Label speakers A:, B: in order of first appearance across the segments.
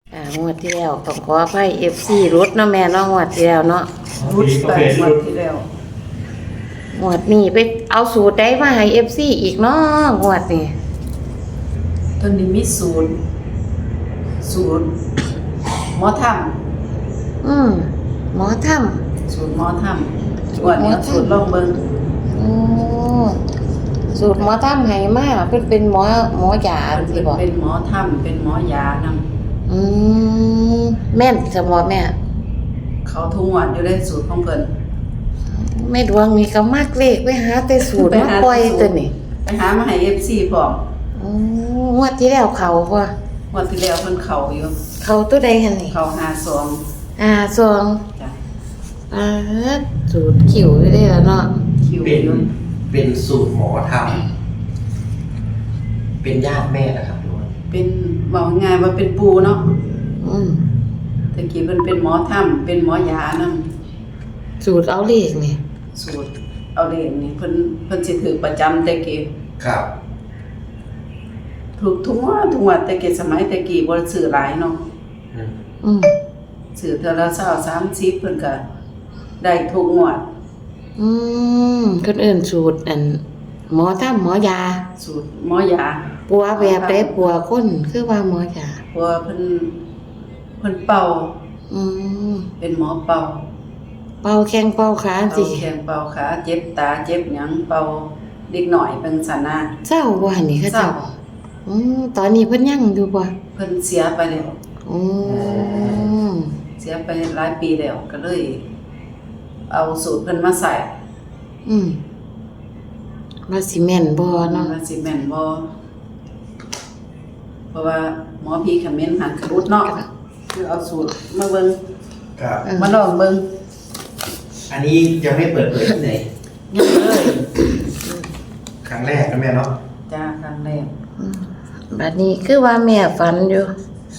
A: งวดที่แล้วต้องขออภัย FC รุดเนาะแม่เนาะงวดที่แล้วเนาะ
B: รุดไปงวดที่แล้ว
A: งวดนี้ไปเอาสูตรได้มาให้ FC อีกเนาะงวดนี้
B: ตอนนี้มีสูตรหมอถ้
A: หมอถ้
B: ำสูตรหมอถ้ำงวดนี้สูตรลองเบิ่ง
A: ำสูตรหมอถ้ำให้มาเป็นหมอยาสิบ่
B: เป็นหมอถ้ำเป็นหมอยานำ
A: แม่นสมอแม่
B: เขาทุกงวดอยู่ได้สูตรของเพิ่น
A: แม่ดวงนี่ก็มักเลขไปหาแต่สูตรมาปล่อยตัวนี้
B: ไปหามาให้ FC พร้อม
A: งวดที่แล้วเขาบ่
B: งวดที่แล้วเพิ่นเข้าอยู่
A: เขาตัวใดหั่นนี่
B: เข้า52
A: ซอง
B: จ้ะ
A: สูตรขิวอยู่เด้อเนาะ
B: คิว
C: เป็น
B: อยู่
C: เป็นสูตรหมอทำเป็นญาติแม่นะครับทุกคน
B: เป็นบอกง่ายว่าเป็นปูเนาะ
A: อืม
B: ตะกี้เพิ่นเป็นหมอถ้ำเป็นหมอยานำ
A: สูตรเอาเลขนี่
B: สูตรเอาเลขนี่เพิ่นสิถือประจำแต่กี้
C: ครับ
B: ถูกทุกงวดแต่กี้สมัยแต่กี้บ่ได้ซื้อหลายเนาะ
C: อืม
A: อืม
B: ซื้อเทื่อละ20 30เพิ่นก็ได้ทุกงวด
A: คนอื่นสูตรหมอถ้ำหมอยา
B: สูตรหมอยา
A: ปัวแบบได้ปัวคนคือว่าหมอยา
B: เพราะว่าเพิ่นเป่า
A: อืม
B: เป็นหมอเป่า
A: เป่าแข้งเป่าขา
B: เป่า
A: สิ
B: แขนเป่าขาเจ็บตาเจ็บหยังเป่าเด็กหน่อยเป็นสันนา
A: เจ้าบ่หั่นนี่เขา
B: เศร้า
A: เจ้าตอนนี้เพิ่นยังอยู่บ่
B: เพิ่นเสียไปแล้ว
A: อืม
B: เสียไปหลายปีแล้วก็เลย เอาสูตรเพิ่นมาใส่
A: ว่าสิแม่นบ่เนาะ
B: ว่าสิแม่นบ่เพราะว่าหมอผีเขมิ้นหันขรุดเนาะคือเอาสูตรมาเบิ่ง
C: ครับ
B: มาลองเบิ่ง
C: อันนี้ยังไม่เปิดเผยที่ไหน
B: ยังเลย
C: ครั้งแรกนะแม่เนาะ
B: จ้าครั้งแรก
A: บัดนี้คือว่าแม่ฝันอยู่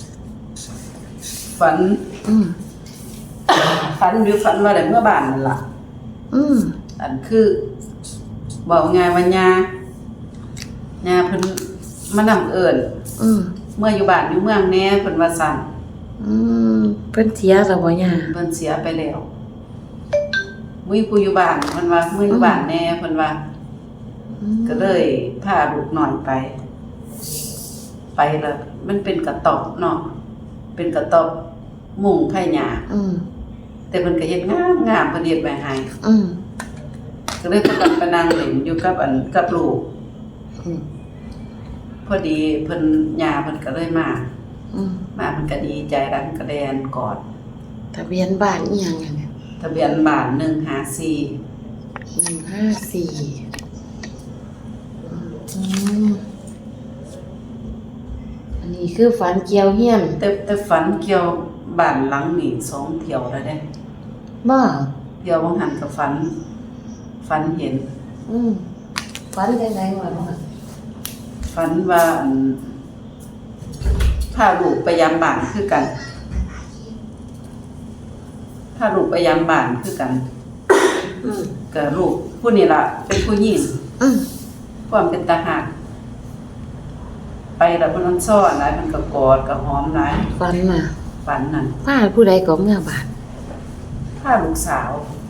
B: ฝัน
A: อืม
B: ฝันว่าได้เมื่อบ้านนั่นล่ะ
A: อืม
B: อันคือบอกง่ายว่าญาเพิ่นมานำเอิ้น
A: อืม
B: เมื่ออยู่บ้านอยู่เมืองแหน่เพิ่นว่าซั่น
A: เพิ่นเสียแล้วบ่ย่า
B: เพิ่นเสียไปแล้วมื้อผู้อยู่บ้านเพิ่นว่ามื้ออยู่บ้านแหน่เพิ่นว่า ก็เลยพาลูกน้อยไปแล้วมันเป็นกระต๊อบเนาะเป็นกระต๊อบมุงไผ่หญ้า
A: อืม
B: แต่เพิ่นก็เฮ็ดงามเพิ่นเฮ็ดไว้ให้
A: อืม
B: ก็เลยพากันไปนั่งเล่นอยู่กับลูก
A: อืม
B: พอดีเพิ่นย่าเพิ่นก็เลยมา
A: อืม
B: เพิ่นก็ดีใจรันกระแดนกอด
A: ทะเบียนบ้านอีหยังอะเนี่ย
B: ทะเบียนบ้าน154
A: 154อันนี้คือฝันเกี่ยวเฮียน
B: แต่ฝันเกี่ยวบ้านหลังนี่2เที่ยวแล้วเด้
A: บ่
B: เที่ยวบางหันก็ฝันเห็น
A: ฝันจังได๋วะบ่
B: ฝันว่าพาลูกไปยามบ้านคือกันพาลูกไปยามบ้านคือกันก็ลูกผู้นี้ล่ะเป็นผู้หญิง ความเป็นตาหักไปแล้วเพิ่นมันซ้อนหลายมันก็กอดก็หอมหลาย
A: ฝันน่ะ
B: ฝันนั่น
A: พาผู้ใดก็เมื่อบ้าน
B: พาลูกสาว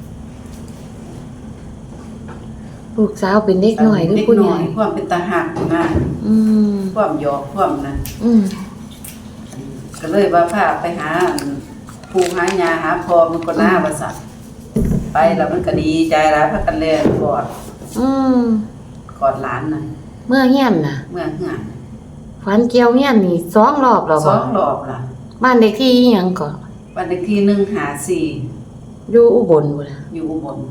A: ลูกสาวเป็นเด็กน้อยหรือผู้ใหญ่
B: เด็กน้อยความเป็นตาหักนะ
A: อืม
B: ความหยอกความนั้น
A: อืม
B: ก็เลยว่าพาไปหาปู่หายาหาพ่อมันก็น่าว่าซั่นไปแล้วมันก็ดีใจหลายพากันแล่นกอด
A: อืม
B: กอดหลานน่ะ
A: เมื่อเฮียนน่ะ
B: เมื่อเฮือน
A: ฝันเกี่ยวเฮียนนี่2รอบแล้ว
B: ส
A: บ่
B: องรอบล่ะ
A: บ้านเลขที่อิหยังก็
B: วันเลขที่154
A: อยู่อุบลพุ่นน่ะ
B: อยู่อุบล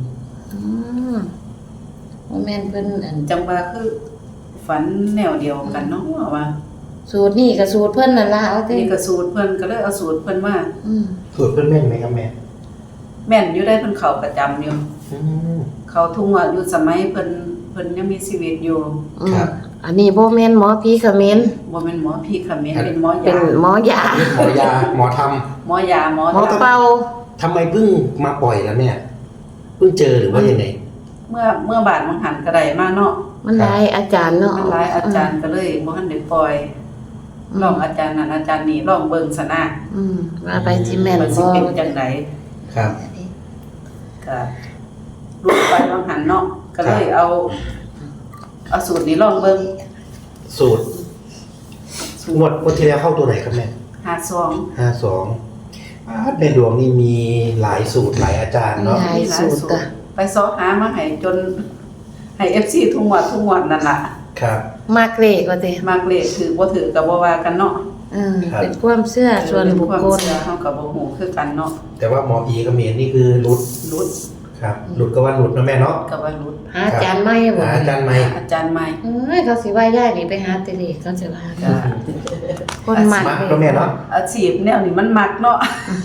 A: บ่แม่นเพิ่น
B: จังว่าคือฝันแนวเดียวกันเนาะว่า
A: สูตรนี่ก็สูตรเพิ่นนั่นล่ะเอาติ
B: นี่ก็สูตรเพิ่นก็เลยเอาสูตรเพิ่นมา
C: สูตรเพื่อนแม่นไหมครับแม่
B: แม่นอยู่ได้เพิ่นเข้าประจำอยู่
C: อืม
B: เขาทุ่งว่าอยู่สมัยเพิ่นยังมีชีวิตอยู่
C: ครับ
A: อันนี้บ่แม่นหมอผีเขมร
B: บ่แม่นหมอผีเขมิ้นเป็นหมอ
A: เป็น
B: ยา
A: หมอยา
C: หมอยาหมอท
B: หมอยาหมอ
A: หมอ
B: ทำ
A: เป่า
C: ำทำไมเพิ่งมาปล่อยแล้วเนี่ยเพิ่งเจอหรือว่ายังไง
B: เมื่อบาดมันหันก็ได้มาเนาะ
A: มันหลายอาจารย์เนาะ
B: มันหลายอาจารย์ก็เลยบ่ทันได้ปล่อยลองอาจารย์นั้นอาจารย์นี้ลองเบิ่งซะนะ
A: ว่าไปสิแม่น
B: มันสิ
A: บ่
B: เป็นจังได
C: ครับ
B: ก็รูปไปลองหันเนาะก็เลยเอาสูตรนี้ลองเบิ่ง
C: สูตร งวดที่แล้วเข้าตัวไหนครับแม่
B: 52
C: 52ในดวงนี่มีหลายสูตรหลายอาจารย์เนาะ
A: หลายสูตรจ้ะ
B: ไปซอกหามาให้จนให้ FC ทุกงวดนั่นล่ะ
C: ครับ
A: มากเลขว่าติ
B: มากเลขถือบ่ถือก็บ่ว่ากันเนาะ
C: ครับ
A: เป็นความเชื่อส่วนบุคคล
B: เป็นวามเชื่อเฮาก็บ่ฮู้คือกันเนาะ
C: แต่ว่าหมอผีกับเมียนี่คือหลุด
B: รุด
C: ครับ หลุดก็ว่าหลุดนะแม่เนาะ
B: ก็ว่ารุด
A: หาอาจารย์ใหม่บ่
C: หาอาจารย์ใหม่
B: อาจารย์ใหม่
A: เอ้ยเขาสิว่าย่ายนี่ไปหาแติเลขเขาจะว่า
B: ก็
A: คนมาก
C: มา
A: เล
C: ก็แม่
A: ข
C: เนาะ
B: อาชีพแนวนี้มันมักเนาะ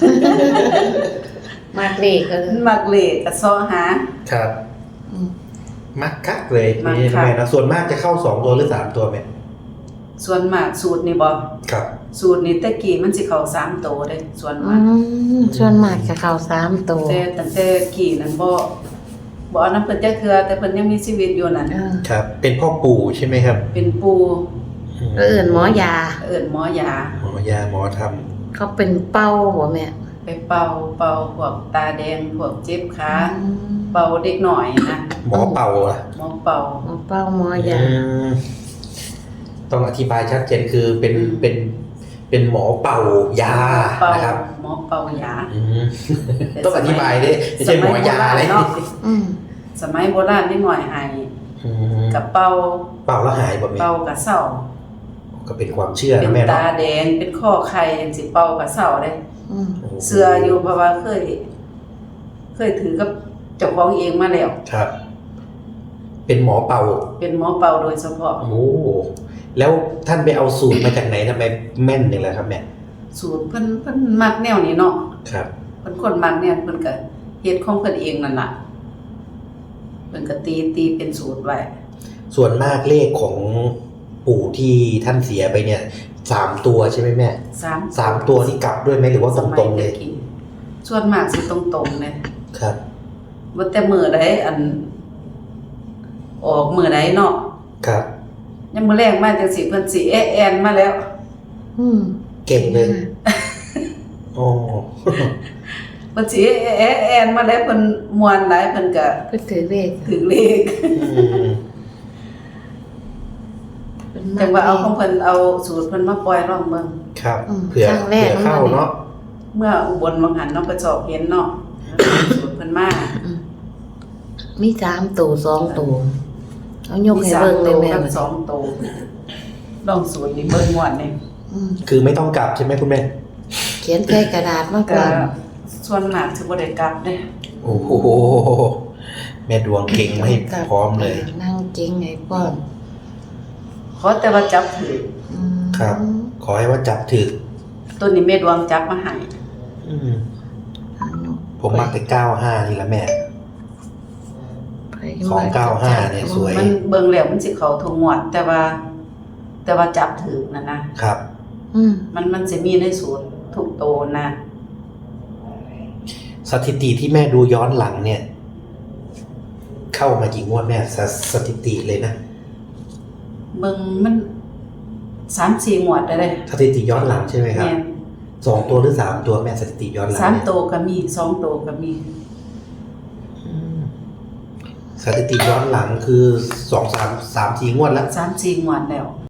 A: มากเลขก็
B: มันมักเลขก็ซอหา
C: ครับ
A: อืม
C: มักคักเลย
B: มัก
C: นี่
B: คัก
C: แม่นะส่วนมากจะเข้า2ตัวหรือ3ตัวแม่
B: ส่วนมากสูตรนี่บ่
C: ครับ
B: สูตรนี้แต่กี้มันสิเข้า3โตวเด้ส่วนมาก
A: ส่วนมากจะเข้า3ตัว
B: แต่ตั้งแต่กี้นั้นบ่เอานำเพิ่นจักเทื่อแต่เพิ่นยังมีชีวิตอยู่นั่น
C: ครับ เป็นพ่อปู่ใช่ไหมครับ
B: เป็นปู่
A: เอิ้นหมอยา
B: เอิ้นหมอยา
C: หมอยาหมอท
A: เขาเป็นเป้าบ่แม่
B: ไปเป่าพวกตาแดงพวกเจ็บขาเป่าเด็กหน่อยนะ
C: ำหมอเป่าล่ะ
B: หมอเป่า
A: หมอเป้าหมอยา
C: มต้องอธิบายชัดเจนคือเป็นหมอเป่ายา
B: เป่า
C: นะครับ
B: หมอเป่ายา
C: อืมต้องอธิบายดิไม่ใช่หมอยาเลย
B: เนาะ
A: อืม
B: สมัยโบราณนิดหน่อยให้
C: อืม
B: กับเป่า
C: เป่าแล้วหายบ่แม่
B: เป่ากับเสา
C: ก็เป็นความเชื่อ
B: เป็
C: นะ
B: น
C: แม่
B: ตา
C: เนาะ
B: แดงเป็นข้อไข่จังสิเป่ากับเสาเด้
A: อืม
B: เสืออยู่เพราะว่าเคยถือกับเจ้าของเองมาแล้ว
C: ครับ เป็นหมอเป่า
B: เป็นหมอเป่าโดยเฉพาะ
C: โอ้แล้วท่านไปเอาสูตรมาจากไหนทำไมแม่นอย่างไรครับแม่
B: สูตรเพิ่นมักแนวนี้เนาะ
C: ครับ
B: เพิ่นคนมักแนวเพิ่นก็เฮ็ดของเพิ่นเองนั่นล่ะเพิ่นก็ตีเป็นสูตรไว้
C: ส่วนมากเลขของปู่ที่ท่านเสียไปเนี่ย3ตัวใช่ไหมแม่ 3ตัวนี่กลับด้วยไหมหรือว่าตรงๆเลย
B: สมัแต่กี้ส่วนมากสิตรงๆเลย
C: ครับ
B: ว่าแต่มื้อใดอันออกมื้อใดเนาะ
C: ครับ
B: ยังมื้อแรกมาจังสิเพิ่นสิแอนมาแล้ว
A: อืม
C: เก่งเลยโอ้
B: เพิ่นสิแอนมาแล้วเพิ่นม่วนหลายเพิ่นก็
A: เพิ่นถือเลข
B: ถึงเลข
C: อืม
A: เพิ่น
B: จังว่าเอาของเพิ่นเอาสูตรเพิ่นมาปล่อยลองเบิ่ง
C: ครับ
A: อืม
C: เผื่อ
A: ครั้งแรก
C: เข้าเนาะ
B: เมื่ออุบลวังหันเนาะก็สอบเห็นเนาะสูตรเพิ่นมา
A: อืมมี3ตัว2ตัวเอายก
B: มี
A: ให้
B: 3
A: เบิ่งเล
B: ตั
A: ยว แม่
B: กับ2ตัวลองสูตรนี้เบิ่งม่วนนี่
A: อืม
C: คือไม่ต้องกลับใช่ไหมคุณแม่
A: เขียนใส่กระดาษมาก่
B: ก็
A: อน
B: ส่วนมากสิบ่ได้กลับเด้
C: โอ้โหแม่ดวงเก่งมาให้พร้อมเลย
A: นั่งเก่งให้พร้อม
B: ขอแต่ว่าจับถือ
A: อืม
C: ครับ ขอให้ว่าจับถึก
B: ตัวนี้แม่ดวงจับมาให้
C: อืมผมมักแต่95นี่แหละแม่
A: ไป
C: 295เนี่ยสวย
B: มันเบิ่งแล้วมันสิเข้าทุกงวดแต่ว่าจับถือนั่นนะครับ
A: อืม
B: มันสิมีในสูตรทุกโตวนะ
C: สถิติที่แม่ดูย้อนหลังเนี่ย เข้ามากี่งวดแม่สถิติเลยนะ
B: เบิ่งมัน 3-4 งวดได้เลย
C: สถิติย้อนหลังใช่ไหมครับ
B: แม่น
C: 2ตัวหรือ3ตัวแม่สถิติย้อนหลัง
B: สาม
C: เนี่ย
B: โตวก็มี2โตวก็มี
C: อืมสถิติย้อนหลังคือ2 3 3 4งวดแล้ว
B: 3-4 งวดแล้ว
C: อ